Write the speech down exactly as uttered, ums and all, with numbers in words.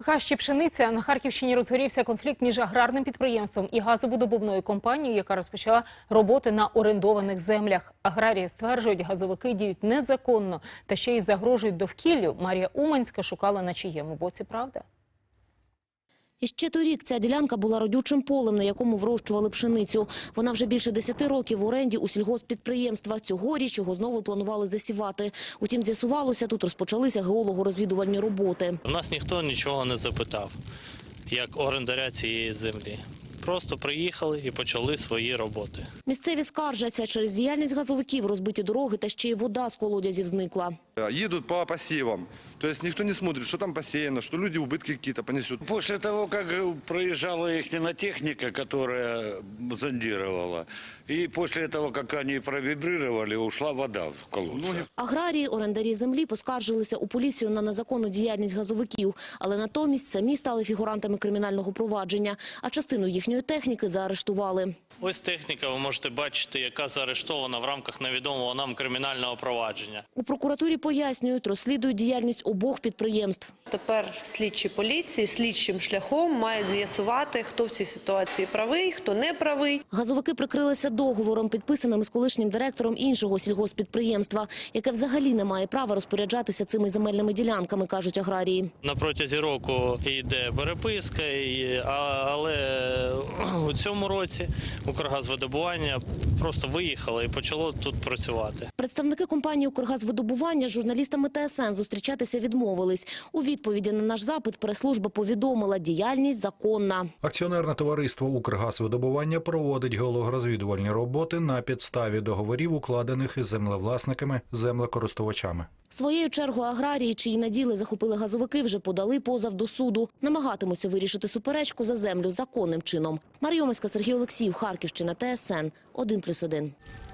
Хащі пшениця. На Харківщині розгорівся конфлікт між аграрним підприємством і газовидобувною компанією, яка розпочала роботи на орендованих землях. Аграрії стверджують, газовики діють незаконно та ще й загрожують довкіллю. Марія Уманська шукала, на чиєму боці правда. І ще торік ця ділянка була родючим полем, на якому вирощували пшеницю. Вона вже більше десяти років в оренді у сільгосппідприємства. Цьогоріч його знову планували засівати. Утім, з'ясувалося, тут розпочалися геолого-розвідувальні роботи. У нас ніхто нічого не запитав, як орендаря цієї землі. Просто приїхали і почали свої роботи. Місцеві скаржаться, через діяльність газовиків розбиті дороги та ще й вода з колодязів зникла. Едут по посевам, то есть никто не смотрит, что там посеяно, что люди убытки какие-то понесут. После того, как проезжала их техника, которая зондировала, и после того, как они провибрировали, ушла вода в колодцы. Аграрії, орендарі землі поскаржилися у поліцію на незаконну діяльність газовиків, але натомість самі стали фігурантами кримінального провадження, а частину їхньої техніки заарештували. Ось техніка, ви можете бачити, яка заарештована в рамках невідомого нам кримінального провадження. У прокуратурі пояснюють, розслідують діяльність обох підприємств. Тепер слідчі поліції слідчим шляхом мають з'ясувати, хто в цій ситуації правий, хто не правий. Газовики прикрилися договором, підписаним з колишнім директором іншого сільгосппідприємства, яке взагалі не має права розпоряджатися цими земельними ділянками, кажуть аграрії. На протязі року йде переписка, але у цьому році Укргазвидобування просто виїхало і почало тут працювати. Представники компанії «Укргазвидобування» з журналістами Т С Н зустрічатися відмовились. У відповіді на наш запит прес-служба повідомила – діяльність законна. Акціонерне товариство «Укргазвидобування» проводить геологорозвідувальні роботи на підставі договорів, укладених із землевласниками, землекористувачами. Своєю чергою аграрії, чиї наділи захопили газовики, вже подали позов до суду. Намагатимуться вирішити суперечку за землю законним чином. Марія Уманська, Сергій Олексіїв, Харківщина, Т С Н, один плюс один.